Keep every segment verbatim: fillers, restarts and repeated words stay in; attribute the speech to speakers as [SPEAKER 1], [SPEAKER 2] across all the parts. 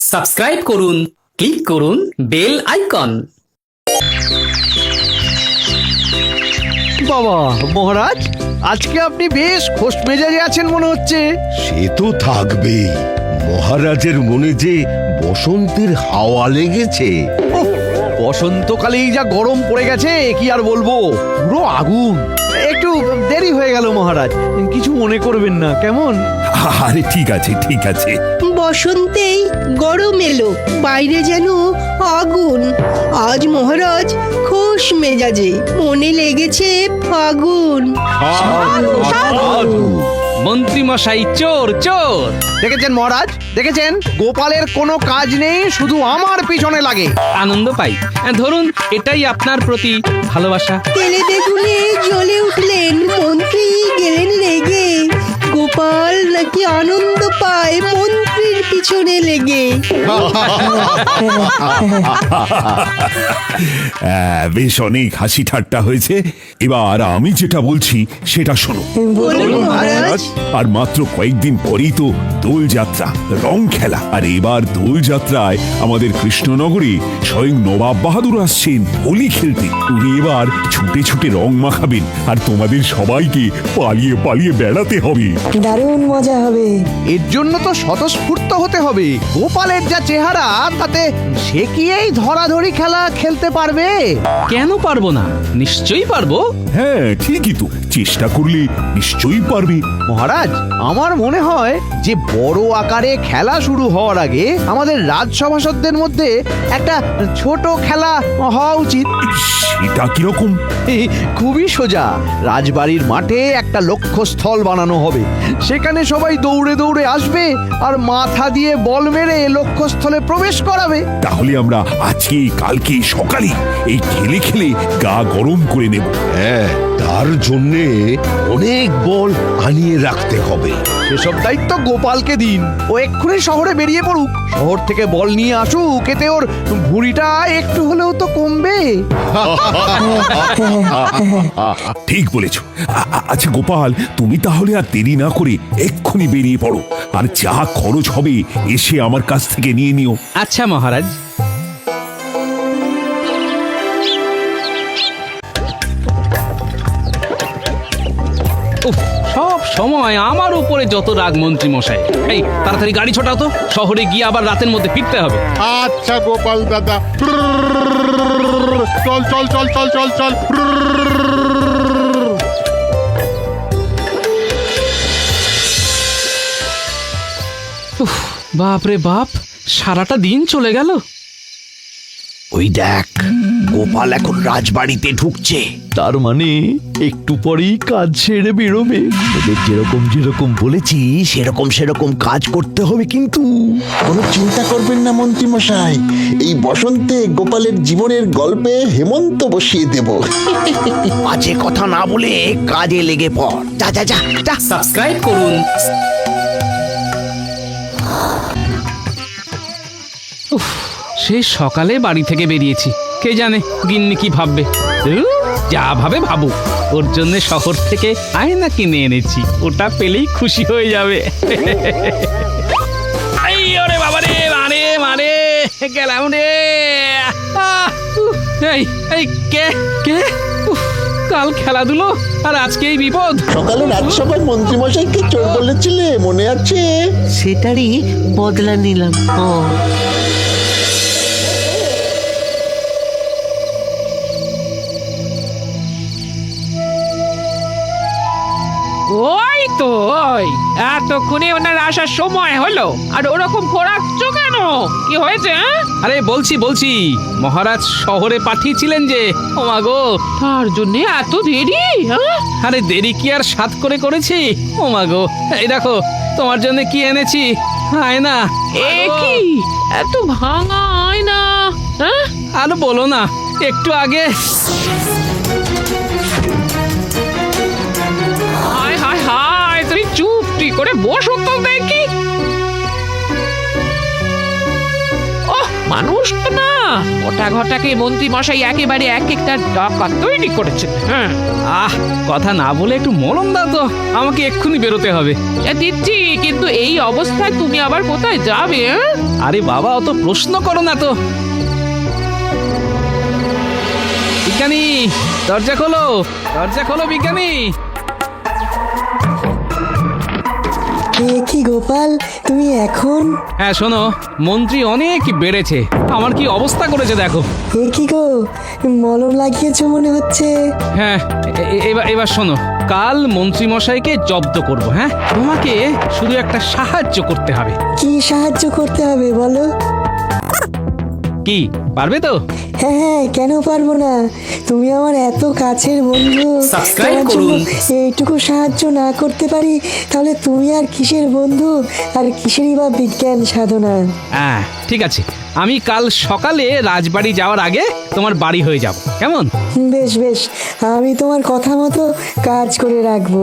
[SPEAKER 1] Subscribe করুন, click করুন bell icon.
[SPEAKER 2] বাবা মহারাজ, আজকে আপনি বেশ খোশ মেজাজে আছেন মনে হচ্ছে।
[SPEAKER 3] সে তো থাকবেই। মহারাজের মনে যে বসন্তের হাওয়া লেগেছে।
[SPEAKER 2] উফ, বসন্তকালেই যা গরম পড়ে গেছে কি আর বলবো, পুরো আগুন। একটু দেরি হয়ে গেল মহারাজ, কিছু মনে করবেন না কেমন?
[SPEAKER 4] আরে ঠিক আছে ঠিক আছে।
[SPEAKER 5] বসন্তেই গরম এলো, বাইরে যেন আগুন। আজ মহারাজ খোশ মেজাজে, মনে লেগেছে ফাগুন।
[SPEAKER 1] মন্ত্রী মশাই চোর চোর।
[SPEAKER 2] দেখেছেন মহারাজ, দেখেছেন গোপালের কোনো কাজ নেই, শুধু আমার পিছনে লাগে।
[SPEAKER 1] আনন্দ পাই। ধরুন এটাই আপনার প্রতি ভালোবাসা।
[SPEAKER 5] তেলে বেগুনে জ্বলে উঠলেন মন্ত্রী, গেলেন রেগে। গোপাল নাকি আনন্দ পায় মন্ত্রীর পিছনে লেগে।
[SPEAKER 4] হ্যাঁ, বেশ অনেক হাসি ঠাট্টা হয়েছে। এবার আমি যেটা বলছি সেটা শোনো।
[SPEAKER 5] বলুন মহারাজ।
[SPEAKER 4] আর মাত্র কয়েকদিন পরেই তো দোল যাত্রা, রং খেলা। আর এবার দোল যাত্রায় আমাদের কৃষ্ণনগরে স্বয়ং নবাব বাহাদুর আসছেন হোলি খেলতে। উনি এবার ছুটে ছুটে রং মাখাবেন, আর তোমাদের সবাইকে পালিয়ে পালিয়ে বেড়াতে হবে।
[SPEAKER 6] দারুণ মজা হবে।
[SPEAKER 2] এর জন্য তো স্বতঃস্ফূর্ত হতে হবে। গোপালের যা চেহারা, তাতে সে কি এই ধরাধরি খেলা খেলতে পারবে?
[SPEAKER 1] কেন পারবো না, নিশ্চয়ই পারবো।
[SPEAKER 4] হ্যাঁ ঠিকই তো, চেষ্টা করলে নিশ্চয়ই পারবে।
[SPEAKER 2] মহারাজ, আমার মনে হয় যে বড় আকারে খেলা শুরু হওয়ার আগে আমাদের রাজসভাসদদের মধ্যে একটা ছোট খেলা হওয়া উচিত।
[SPEAKER 4] সেটা কিরকম?
[SPEAKER 2] খুবই সোজা। রাজবাড়ির মাঠে একটা লক্ষ্যস্থল বানানো হবে, সেখানে সবাই দৌড়ে দৌড়ে আসবে আর মাথা দিয়ে বল মেরে লক্ষ্যস্থলে প্রবেশ করাবে।
[SPEAKER 4] তাহলে আমরা আজকে কালকে সকালে এই খেলে খেলে গা গরম করে নেব।
[SPEAKER 3] হ্যাঁ, তার জন্যে অনেক বল আনিয়ে রাখতে হবে।
[SPEAKER 2] সেসব দায়িত্ব গোপালকে দিন। ও এক্ষুনি শহরে বেরিয়ে পড়ুক, শহর থেকে বল নিয়ে আসুক, এতে ওর ভুঁড়িটা একটু হলেও তো কমবে।
[SPEAKER 4] ঠিক বলেছ। আ- আ- আচ্ছা গোপাল, তুমি তাহলে আর দেরি না করে এক্ষুনি বেরিয়ে পড়ো, আর যা খরচ হবে এসে আমার কাছ থেকে নিয়ে নিও।
[SPEAKER 1] আচ্ছা মহারাজ। উফ, সব সময় আমার উপরে যত রাগ মন্ত্রী মশাই। এই তাড়াতাড়ি গাড়ি ছোটাও তো, শহরে গিয়ে আবার রাতের মধ্যে ফিরতে হবে।
[SPEAKER 7] আচ্ছা গোপাল দাদা, চল চল চল চল চল চল।
[SPEAKER 1] উফ, বাপ রে বাপ, সারাটা দিন চলে গেল।
[SPEAKER 3] ওই দেখ, গোপাল এখন রাজবাড়িতে ঢুকছে।
[SPEAKER 2] তার মানে একটু পরেই কাজ ছেড়ে বেরোবে।
[SPEAKER 3] ওদের যেরকম যেরকম বলেছি সেরকম সেরকম কাজ করতে হবে কিন্তু।
[SPEAKER 8] কোনো চিন্তা করবেন না মন্ত্রী মশাই, এই বসন্তে গোপালের জীবনের গল্পে হেমন্ত বসিয়ে দেব।
[SPEAKER 3] বাজে কথা না বলে কাজে লেগে পড়। যা যা যা যা।
[SPEAKER 1] সাবস্ক্রাইব করুন। উফ, সেই সকালে বাড়ি থেকে বেরিয়েছি, কে জানে গিন্নি কি ভাববে। ধুর, যা ভাবে ভাবুক, ওর জন্য শহর থেকে আয়না কিনে এনেছি, ওটা পেলেই খুশি হয়ে যাবে। এই ওরে বাবা রে, মারে মারে গেলাম রে। আহ, উহ, এই এই কে কে উফ, কাল খেলাধুলো আর আজকে এই বিপদ।
[SPEAKER 8] সকালে রাজসভায় মন্ত্রী মশাইকে চোর বলেছিলে, মনে আছে?
[SPEAKER 6] সেটারই বদলা নিলাম। ও
[SPEAKER 9] ওই তো ওই এতক্ষণে ওনার আসার সময় হলো, আর ওরকম খোরাচ্ছ কেন? কি হয়েছে? হ্যাঁ,
[SPEAKER 1] আরে বলছি বলছি মহারাজ শহরে পাঠিয়েছিলেন যে। ও মা গো,
[SPEAKER 9] তার জন্য এত দেরি? হ্যাঁ,
[SPEAKER 1] আরে দেরি কি আর সাত করে করেছি? ও মা গো, এই দেখো তোমার জন্য কি এনেছি, আয়না।
[SPEAKER 9] এ কি এত ভাঙা আয়না? হ্যাঁ,
[SPEAKER 1] আর বলো না, একটু আগে
[SPEAKER 9] হায় হায় হায়, তুমি চুপটি করে বসো তো দেখি। ওহ মানুষ তো না। ওটা ঘটাকে মন্ত্রী মশাই একেবারে এক একটা ডাকাত তৈরি করেছেন। হ্যাঁ,
[SPEAKER 1] আহ কথা না বলে একটু মলম দাও তো, আমাকে এক্ষুনি বেরোতে হবে।
[SPEAKER 9] এ দিচ্ছি, কিন্তু এই অবস্থায় তুমি আবার কোথায় যাবে? হ্যাঁ?
[SPEAKER 1] আরে বাবা, অত প্রশ্ন করো না তো। বিজ্ঞানী, দরজা খোলো, দরজা খোলো বিজ্ঞানী।
[SPEAKER 5] এ কি গোপাল, তুমি এখন?
[SPEAKER 1] হ্যাঁ শোনো, মন্ত্রী অনেক বেড়েছে, আমার কি অবস্থা করেছে দেখো।
[SPEAKER 5] এ কি গো, মলম লাগিয়েছো মনে হচ্ছে।
[SPEAKER 1] হ্যাঁ এ- এ- এবার এবার শোনো, কাল মন্ত্রী মশাইকে জব্দ করব। হ্যাঁ, তোমাকে শুধু একটা সাহায্য করতে হবে।
[SPEAKER 5] কি সাহায্য করতে হবে বলো?
[SPEAKER 1] কি পারবে তো?
[SPEAKER 5] হ্যাঁ হ্যাঁ, কেন পারবো না? তুমি আমার এত কাছের বন্ধু, তোমার জন্য এইটুকু সাহায্য না করতে পারি তাহলে তুমি আর কিসের বন্ধু, আর কিসেরই বা বিজ্ঞান সাধনা।
[SPEAKER 1] হ্যাঁ ঠিক আছে, আমি কাল সকালে রাজবাড়ি যাওয়ার আগে তোমার বাড়ি হয়ে যাব, কেমন?
[SPEAKER 5] বেশ বেশ, আমি তোমার কথা মতো কাজ করে রাখবো।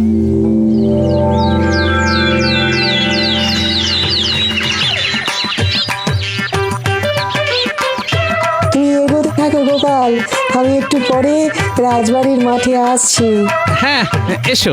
[SPEAKER 5] তুমি এগোতে থাকো গোপাল, আমি একটু পরে রাজবাড়ির মাঠে আসছি।
[SPEAKER 1] হ্যাঁ এসো।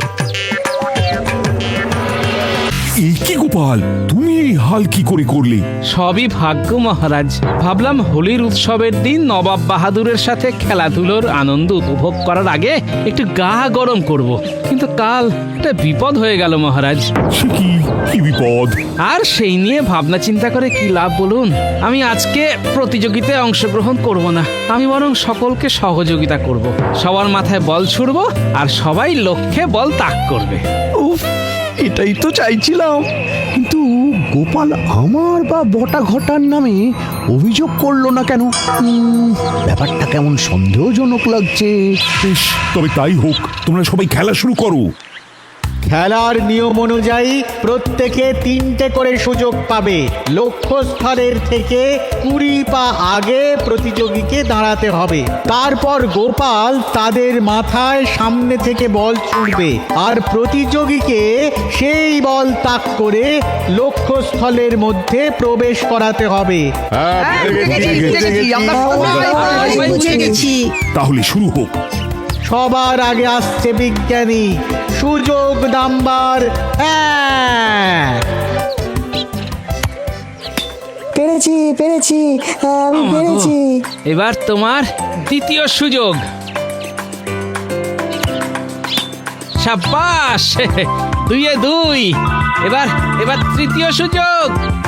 [SPEAKER 4] এই কি গোপাল, তুমি এই হাল কি করে করলে?
[SPEAKER 1] সবই ভাগ্য মহারাজ। ভাবলাম হোলির উৎসবের দিন নবাব বাহাদুরের সাথে খেলাধুলোর আনন্দ উপভোগ করার আগে একটু গা গরম করব, কিন্তু কাল একটা বিপদ হয়ে গেল মহারাজ।
[SPEAKER 4] সে কি কি বিপদ?
[SPEAKER 1] আর সেই নিয়ে ভাবনা চিন্তা করে কি লাভ বলুন? আমি আজকে প্রতিযোগিতায় অংশগ্রহণ করব না, আমি বরং সকলকে সহযোগিতা করব। সবার মাথায় বল ছুড়ব আর সবাই লক্ষ্যে বল তাক করবে।
[SPEAKER 2] উফ, এটাই তো চাইছিলাম, কিন্তু গোপাল আমার বা বটা ঘটার নামে অভিযোগ করলো না কেন? উম, ব্যাপারটা কেমন সন্দেহজনক লাগছে।
[SPEAKER 4] বেশ, তবে তাই হোক, তোমরা সবাই খেলা শুরু করো।
[SPEAKER 10] খেলার নিয়ম অনুযায়ী প্রত্যেকে তিনটে করে সুযোগ পাবে। লক্ষ্যস্থলের থেকে কুড়ি পা আগে প্রতিযোগীকে দাঁড়াতে হবে। তারপর গোপাল তাদের মাথায় সামনে থেকে বল ছুঁড়বে আর প্রতিযোগীকে সেই বল তাক করে লক্ষ্যস্থলের মধ্যে প্রবেশ করাতে হবে।
[SPEAKER 5] বুঝে গেছি।
[SPEAKER 4] তাহলে শুরু হোক।
[SPEAKER 10] সবার আগে আসছে বিজ্ঞানী, সুযোগ নাম্বার এক।
[SPEAKER 5] পেরেছি পেরেছি, আমি পেরেছি।
[SPEAKER 1] এবার তোমার দ্বিতীয় সুযোগ। সাব্বাস, দুইয়ে দুই। এবার এবার তৃতীয় সুযোগ।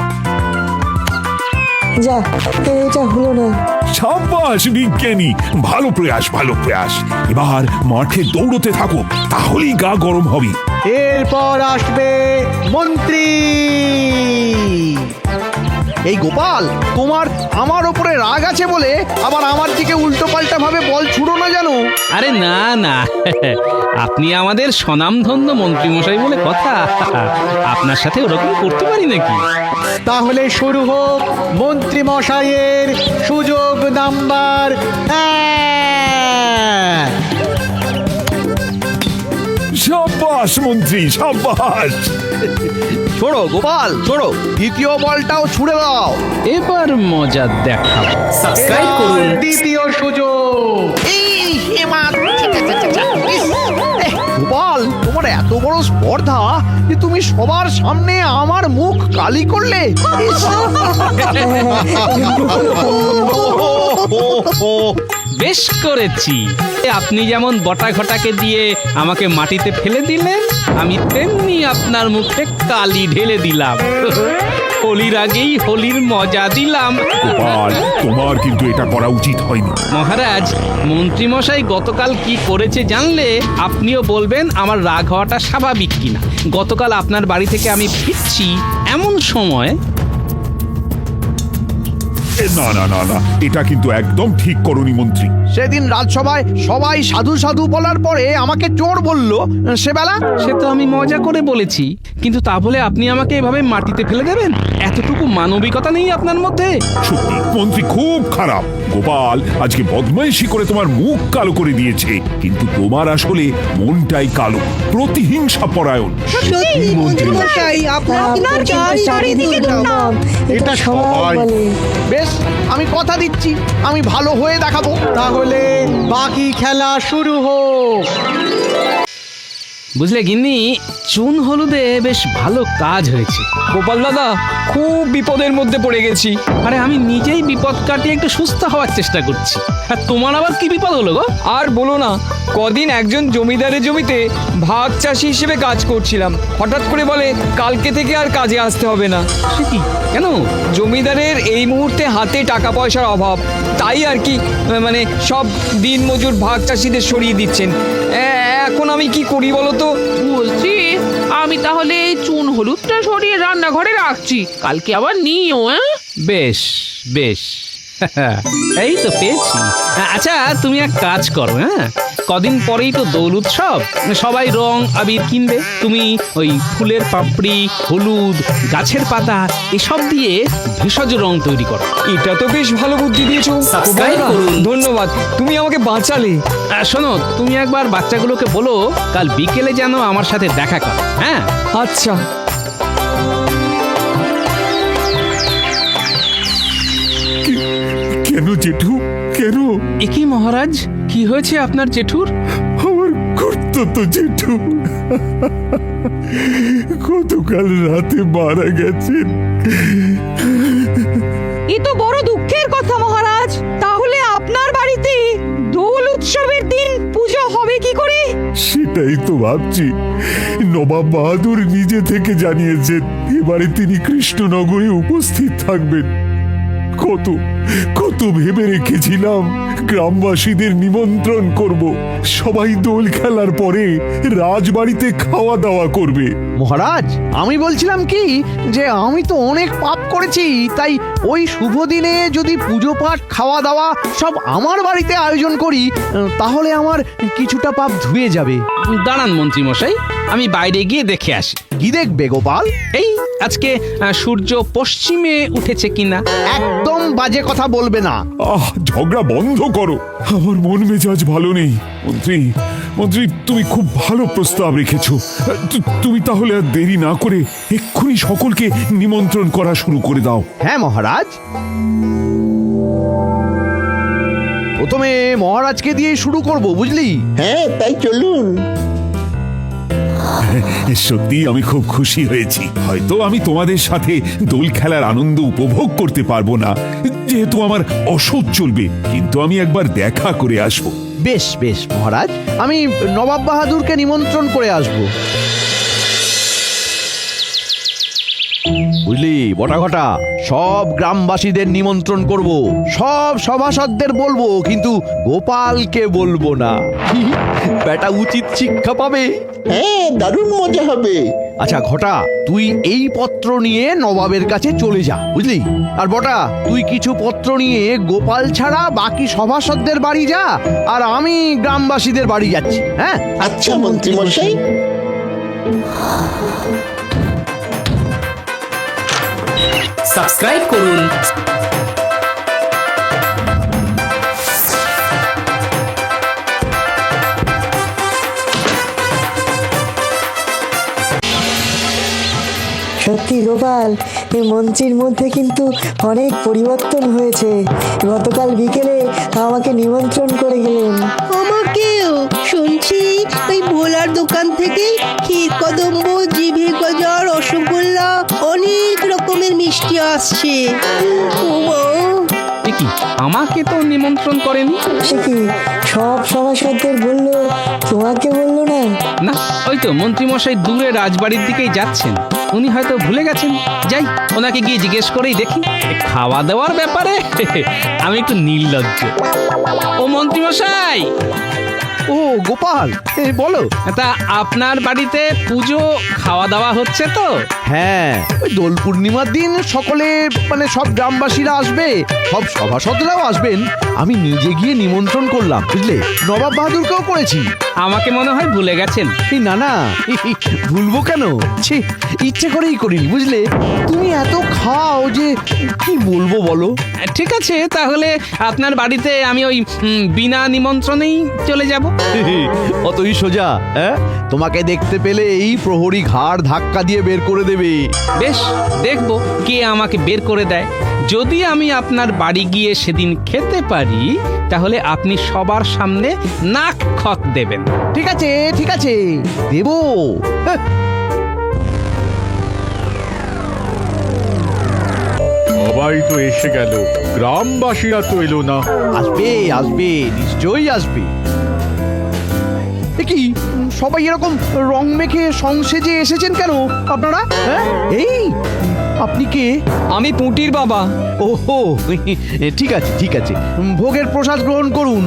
[SPEAKER 5] যা, এটা হলো না।
[SPEAKER 4] সাব্বাস বিজ্ঞানী, ভালো প্রয়াস ভালো প্রয়াস। এবার মাঠে দৌড়তে থাকো, তাহলেই গা গরম হবে।
[SPEAKER 10] এরপর আসবে মন্ত্রী।
[SPEAKER 2] এই গোপাল, তোমার আমার ওপরে রাগ আছে বলে আবার আমার দিকে উল্টো পাল্টা ভাবে বল ছুড়ো না জানো।
[SPEAKER 1] আরে না না, আপনি আমাদের স্বনামধন্য মন্ত্রী মশাই বলে কথা, আপনার সাথে ওরকম করতে পারি নাকি?
[SPEAKER 10] তাহলে শুরু হোক মন্ত্রী মশাইয়ের সুযোগ নাম্বার এক।
[SPEAKER 4] সাব্বাস মন্ত্রী, সাব্বাস।
[SPEAKER 2] ছোড়ো গোপাল, ছোড়ো, দ্বিতীয় বলটাও ছুড়ে দাও।
[SPEAKER 1] এবার মজা দেখাবো।
[SPEAKER 10] এবার দ্বিতীয় সুযোগ।
[SPEAKER 2] গোপাল, তোমার এত বড় স্পর্ধা যে তুমি সবার সামনে আমার মুখ কালি করলে। ইস!
[SPEAKER 1] বেশ করেছি। আপনি যেমন বটা ঘটাকে দিয়ে আমাকে মাটিতে ফেলে দিলেন, আমি তেমনি আপনার মুখে কালি ঢেলে দিলাম। হোলির আগেই হোলির মজা দিলাম।
[SPEAKER 4] গোপাল, তোমার কিন্তু এটা করা উচিত হয়নি।
[SPEAKER 1] মহারাজ, মন্ত্রী মশাই গতকাল কি করেছে জানলে আপনিও বলবেন আমার রাগ হওয়াটা স্বাভাবিক কিনা। গতকাল আপনার বাড়ি থেকে আমি ফিরছি এমন সময়।
[SPEAKER 4] এ, না না না না, এটা কিন্তু একদম ঠিক করনি মন্ত্রী।
[SPEAKER 2] সেদিন রাজসভায় সবাই সাধু সাধু বলার পরে আমাকে চোর বললো, সে বেলা।
[SPEAKER 1] সে তো আমি মজা করে বলেছি, কিন্তু তা বলে আপনি আমাকে এভাবে মাটিতে ফেলে দেবেন? এতটুকু মানবিকতা নেই আপনার মধ্যে?
[SPEAKER 4] সত্যি মন্ত্রী খুব খারাপ। গোপাল আজকে বদমাইশি করে তোমার মুখ কালো করে দিয়েছে, কিন্তু তোমার আসলে মনটাই কালো, প্রতিহিংসা পরায়ণ।
[SPEAKER 5] সত্যি মন্ত্রী মশাই, আপনার চারিদিকে দুর্নাম, এটা সবাই বলে।
[SPEAKER 2] বেশ, আমি কথা দিচ্ছি আমি ভালো হয়ে দেখাবো।
[SPEAKER 10] তাহলে বাকি খেলা শুরু হোক।
[SPEAKER 1] বুঝলে গিন্নি, চুন হলুদে বেশ ভালো কাজ হয়েছে।
[SPEAKER 11] গোপাল দাদা, খুব বিপদের মধ্যে পড়ে গেছি।
[SPEAKER 1] আরে আমি নিজেই বিপদ কাটিয়ে একটু সুস্থ হওয়ার চেষ্টা করছি, আর তোমার আবার কি বিপদ হলো গো?
[SPEAKER 11] আর বলো না, কদিন একজন জমিদারের জমিতে ভাগ চাষি হিসেবে কাজ করছিলাম। হঠাৎ করে বলে কালকে থেকে আর কাজে আসতে হবে না।
[SPEAKER 1] সে কি, কেন?
[SPEAKER 11] জমিদারের এই মুহূর্তে হাতে টাকা পয়সার অভাব, তাই আর কি, মানে সব দিন মজুর ভাগ চাষিদের সরিয়ে দিচ্ছেন। এ- এখন আমি কি করি বলো তো?
[SPEAKER 9] বলছি, আমি তাহলে এই চুন হলুদটা সরিয়ে রান্নাঘরে রাখছি, কালকে আবার নিও। হ্যাঁ,
[SPEAKER 1] বেশ বেশ এই তো পেয়েছি। আচ্ছা তুমি এক কাজ করো, হ্যাঁ কদিন পরেই তো দোল উৎসব, সবাই রং আবির কিনবে। তুমি ওই ফুলের পাপড়ি, হলুদ, গাছের পাতা এসব দিয়ে ভেষজ রং তৈরি করো।
[SPEAKER 11] এটা তো বেশ ভালো বুদ্ধি দিয়েছো।
[SPEAKER 1] Subscribe করুন।
[SPEAKER 11] ধন্যবাদ, তুমি আমাকে বাঁচালে।
[SPEAKER 1] আর শোনো, তুমি একবার বাচ্চাগুলোকে বলো কাল বিকেলে যেন আমার সাথে দেখা করো। হ্যাঁ
[SPEAKER 11] আচ্ছা।
[SPEAKER 4] কেন জেঠু, কেন?
[SPEAKER 1] একই মহারাজ, কি হয়েছে আপনার জেঠুর?
[SPEAKER 4] আমার কর্তব্য জেঠু গতকাল রাতে মারা গেছেন।
[SPEAKER 12] এ তো বড় দুঃখের কথা মহারাজ। তাহলে আপনার বাড়িতে দোল উৎসবের দিন পুজো হবে কি করে?
[SPEAKER 4] সেটাই তো ভাবছি। নবাব বাহাদুর নিজে থেকে জানিয়েছেন এবারে তিনি কৃষ্ণনগরে উপস্থিত থাকবেন। কত কত ভেবে রেখেছিলাম গ্রামবাসীদের নিমন্ত্রণ করব, সবাই দোল খেলার পরে রাজবাড়িতে খাওয়া দাওয়া করবে।
[SPEAKER 2] মহারাজ, আমি বলছিলাম কি যে আমি তো অনেক পাপ করেছি, তাই ওই শুভ দিনে যদি পুজো পাঠ খাওয়া দাওয়া সব আমার বাড়িতে আয়োজন করি, তাহলে আমার কিছুটা পাপ ধুয়ে যাবে।
[SPEAKER 1] দাঁড়ান মন্ত্রী মশাই, আমি বাইরে গিয়ে দেখে আসি।
[SPEAKER 2] কি দেখবে গোপাল?
[SPEAKER 1] এই আজকে আহ, সূর্য পশ্চিমে উঠেছে কিনা।
[SPEAKER 2] একদম বাজে কথা বলবে না।
[SPEAKER 4] আহ, ঝগড়া বন্ধ করো, আমার মন মেজাজ ভালো নেই। মন্ত্রী মন্ত্রী তুমি খুব ভালো প্রস্তাব রেখেছো। তু- তুমি তাহলে আর দেরি না করে এক্ষুনি সকলকে নিমন্ত্রণ করা শুরু করে দাও।
[SPEAKER 2] হ্যাঁ মহারাজ, প্রথমে মহারাজকে দিয়ে শুরু করব, বুঝলি?
[SPEAKER 8] হ্যাঁ তাই চলুন।
[SPEAKER 4] সত্যি আমি খুব খুশি হয়েছি। হয়তো আমি তোমাদের সাথে দোল খেলার আনন্দ উপভোগ করতে পারবো না, যেহেতু আমার অসহ্য চলবে, কিন্তু আমি একবার দেখা করে আসব।
[SPEAKER 2] বেশ বেশ মহারাজ, আমি নবাব বাহাদুরকে নিমন্ত্রণ করে আসব। বুঝলি বটা ঘটা, সব গ্রামবাসীদের নিমন্ত্রণ করব, সব সভাসদদের বলবো, কিন্তু গোপালকে বলবো না। বেটা উচিত শিক্ষা পাবে।
[SPEAKER 8] হ্যাঁ, দারুণ মজা হবে।
[SPEAKER 2] আচ্ছা ঘটা, তুই এই পত্র নিয়ে নবাবের কাছে চলে যা, বুঝলি? আর বটা, তুই কিছু পত্র নিয়ে গোপাল ছাড়া বাকি সভাসদদের বাড়ি যা, আর আমি গ্রামবাসীদের বাড়ি যাচ্ছি। হ্যাঁ
[SPEAKER 8] আচ্ছা মন্ত্রী মশাই।
[SPEAKER 1] সাবস্ক্রাইব করুন।
[SPEAKER 5] সত্যি গোপাল, এই মন্ত্রীর মধ্যে কিন্তু অনেক পরিবর্তন হয়েছে। গতকাল বিকেলে আমাকে নিমন্ত্রণ করে গেলেন।
[SPEAKER 12] আমাকেও শুনছি ওই ভোলার দোকান থেকে ক্ষীর কদম্ব, জিভে গজা, রসগোল্লা, অনেক রকমের মিষ্টি আসছে। ও মা,
[SPEAKER 1] এ কি, আমাকে তো নিমন্ত্রণ করেনি।
[SPEAKER 5] সে কি, সব সভাসদদের বললো, তোমাকে বললো না?
[SPEAKER 1] না, ওই তো মন্ত্রী মশাই দূরে রাজবাড়ির দিকেই যাচ্ছেন, উনি হয়তো ভুলে গেছেন। যাই, ওনাকে গিয়ে জিজ্ঞেস করেই দেখি। এ খাওয়া দাওয়ার ব্যাপারে আমি একটু নির্লজ্জ। ও মন্ত্রী মশাই,
[SPEAKER 2] ও গোপাল, এ, বলো।
[SPEAKER 1] তা আপনার বাড়িতে পুজো খাওয়া দাওয়া হচ্ছে তো?
[SPEAKER 2] হ্যাঁ, ওই দোল পূর্ণিমার দিন সকলে, মানে সব গ্রামবাসীরা আসবে, সব সভাসদরাও আসবেন। আমি নিজে গিয়ে নিমন্ত্রণ করলাম, বুঝলে? নবাব বাহাদুরকেও করেছি।
[SPEAKER 1] আমাকে মনে হয় ভুলে গেছেন।
[SPEAKER 2] এই না না, ভুলবো কেন? ছি, ইচ্ছে করেই করিনি, বুঝলে? তুমি এত খাও যে কি বলবো বলো।
[SPEAKER 1] ঠিক আছে, তাহলে আপনার বাড়িতে আমি ওই উম, বিনা নিমন্ত্রণেই চলে যাব।
[SPEAKER 2] অতই সোজা? হ্যাঁ, তোমাকে দেখতে পেলে এই প্রহরী ঘাড় ধাক্কা দিয়ে বের করে দেবে।
[SPEAKER 1] বেশ, দেখবো কে আমাকে বের করে দেয়। যদি আমি আপনার বাড়ি গিয়ে সেদিন খেতে পারি তাহলে আপনি সবার সামনে নাক খত দেবেন।
[SPEAKER 2] ঠিক আছে ঠিক আছে দেবো। হ্যাঁ,
[SPEAKER 7] সবাই তো এসে গেল, গ্রামবাসীরা তো এলো না।
[SPEAKER 2] আসবে আসবে নিশ্চয়ই আসবে। এ কি সবাই এরকম রং মেখে সংসেজে এসেছেন কেন আপনারা? হ্যাঁ এই আপনি কে?
[SPEAKER 11] আমি পুঁটির বাবা।
[SPEAKER 2] ওহো ঠিক আছে ঠিক আছে, ভোগের প্রসাদ গ্রহণ করুন।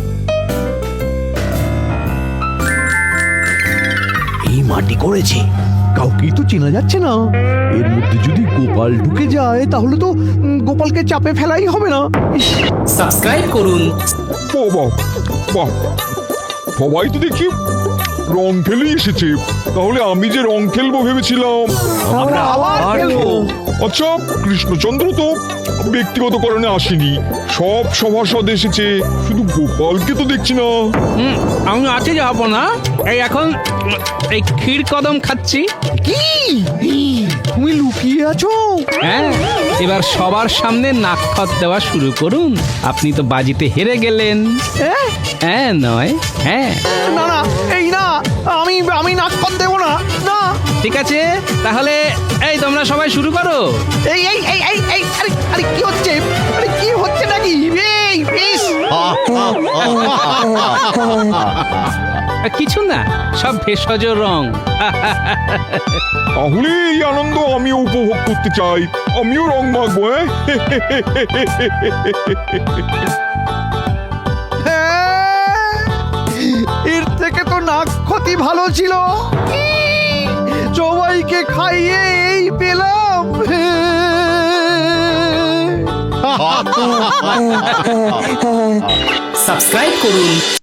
[SPEAKER 2] এই মাটি করেছে, কাউকেই তো চেনা যাচ্ছে না। এর মধ্যে যদি গোপাল ঢুকে যায় তাহলে তো উম, গোপালকে চাপে ফেলাই হবে না। ইস,
[SPEAKER 1] সাবস্ক্রাইব করুন।
[SPEAKER 4] বাহ বাহ, সবাই তো দেখি রং খেলেই এসেছে। তাহলে আমি যে রং খেলবো ভেবেছিলাম,
[SPEAKER 2] আমরা আবার খেলবো।
[SPEAKER 4] আচ্ছা কৃষ্ণচন্দ্র তো ব্যক্তিগত কারণে আসেনি, সব সভাসদ এসেছে, শুধু গোপালকে তো দেখছি না।
[SPEAKER 1] হুম, আমি আছি যাবো না। এই এখন উম, এই ক্ষীর কদম খাচ্ছি।
[SPEAKER 2] কি তুমি লুকিয়ে আছো?
[SPEAKER 1] হ্যাঁ, এবার সবার সামনে নাক খত দেওয়া শুরু করুন। আপনি তো বাজিতে হেরে গেলেন।
[SPEAKER 2] হ্যাঁ?
[SPEAKER 1] হ্যাঁ নয় হ্যাঁ।
[SPEAKER 2] না না এই না, আমি আমি নাক কত দেবো না। না
[SPEAKER 1] ঠিক আছে, তাহলে এই তোমরা সবাই শুরু করো।
[SPEAKER 2] এই এই এই এই এই আরে আরে কি হচ্ছে? আরে কি হচ্ছে নাকি? এই ইস!
[SPEAKER 1] কিছু না, সব ভেষজ রং।
[SPEAKER 4] তাহলে এই আনন্দ আমিও উপভোগ করতে চাই, আমিও রং মাখবো।
[SPEAKER 2] হ্যাঁ, এর থেকে তো নাক ক্ষতি ভালো ছিল। সবাইকে খাইয়ে এই পেলাম।
[SPEAKER 1] সাবস্ক্রাইব করুন।